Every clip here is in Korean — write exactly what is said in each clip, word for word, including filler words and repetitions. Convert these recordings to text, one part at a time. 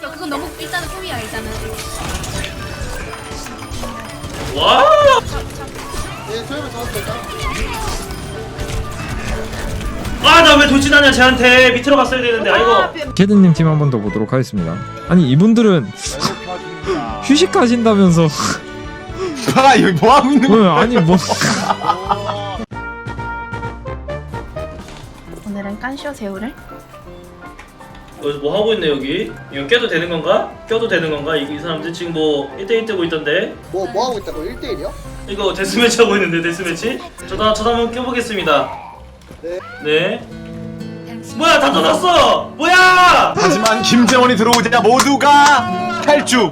싫어. 그건 너무 일단은 꿈이야 일단은. 와! 예, 소염을 잡았어 일단. 아, 나 왜 돌진하냐 쟤한테. 밑으로 갔어야 되는데. 아이고. 캐드님 팀 한 번 더 보도록 하겠습니다. 아니 이분들은 휴식 가신다면서 아 여기 뭐 하고 있는 거야? 어, 아니 뭐 오늘은 깐쇼 새우를. 여기서 뭐 하고 있네 여기? 이거 껴도 되는 건가? 껴도 되는 건가? 이, 이 사람들 지금 뭐 일 대 일 뜨고 있던데? 뭐, 뭐 하고 있다고? 일 대 일이요? 이거 데스매치 하고 있는데 데스매치? 저도 저도 한번 껴보겠습니다. 네. 네. 뭐야 다 닫았어! 뭐야! 하지만 김재원이 들어오자 모두가 탈주.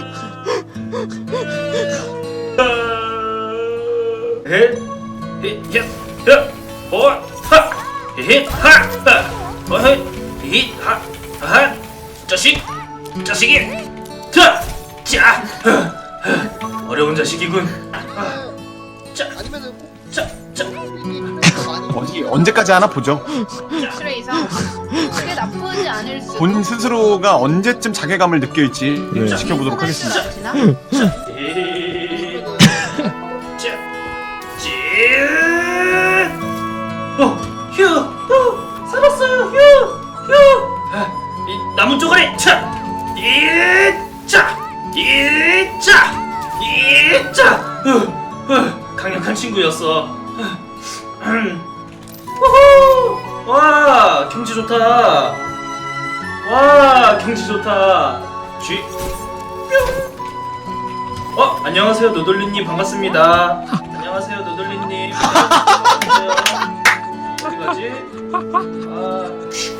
헷, 헷, 헷, 헷, 어, 하, 헷, 하, 하, 어, 헷, 헷, 하, 하, 자식, 자식이, 자, 자, 어려운 자식이군. 자, 아니면은 꼭 자, 자, 어디 언제까지 하나 보죠. 실에 이상 그게 나쁘지 않을 수. 본 스스로가 언제쯤 자괴감을 느낄지 네. 지켜보도록 하겠습니다. 자, 자, 찌, 어, 휴, 어, 살았어요, 휴, 휴. 아, 이 나무 쪼가리, 차, 이, 자, 이, 자, 이, 자. 어, 어, 강력한 친구였어. 음. 우후! 와, 경치 좋다. 와, 경치 좋다. 쥐. 뿅. 어, 안녕하세요, 노돌리님 반갑습니다. 안녕하세요, 노돌리님. 안녕하세요. 어디 가지? 아,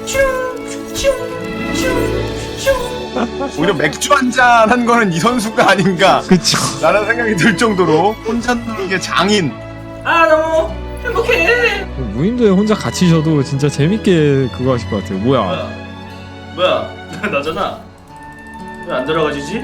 오히려 맥주 한잔 한 거는 이 선수가 아닌가 그쵸. 라는 생각이 들 정도로 혼자 노는 게 장인. 아, 너무 행복해. 무인도에 혼자 갇히셔도 진짜 재밌게 그거 하실 것 같아요. 뭐야? 뭐야? 뭐야? 나잖아. 왜 안 들어가지지?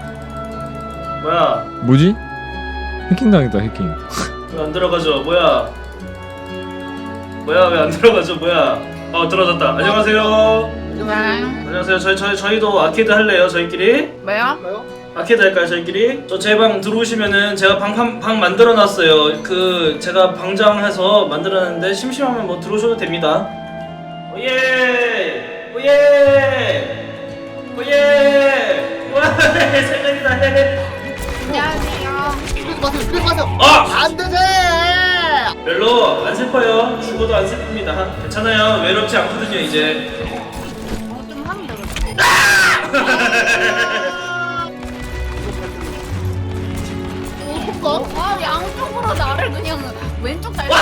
뭐야? 뭐지? 해킹 당했다 해킹. 왜 안 들어가죠? 뭐야? 뭐야? 왜 안 들어가죠? 뭐야? 어, 들어졌다. 안녕하세요. 누가요? 안녕하세요. 저희 저희 저희도 아케이드 할래요. 저희끼리. 뭐요? 뭐요? 아케이드 할까요? 저희끼리. 저 제 방 들어오시면은 제가 방 방 방 만들어 놨어요. 그 제가 방장해서 만들었는데 심심하면 뭐 들어오셔도 됩니다. 오예! 오예! 오예! 와, 생각이다. 안녕하세요. 스피드 마세요, 스피드 마세요! 아! 안 되지! 별로 안 슬퍼요. 죽어도 안 슬픕니다. 괜찮아요. 외롭지 않거든요, 이제. 어, 좀 하면 되거든. 오, 속가? 아, 양쪽으로 나를 그냥 왼쪽 달.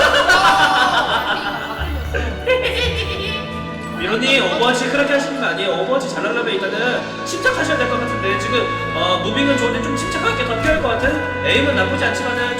미로님, 오버워치 그렇게 하시는 거 아니에요. 오버워치 잘하려면 일단은 침착하셔야 될 것 같은데 지금 어, 무빙은 좋은데 좀 침착하게 더 필요할 것 같은? 에임은 나쁘지 않지만은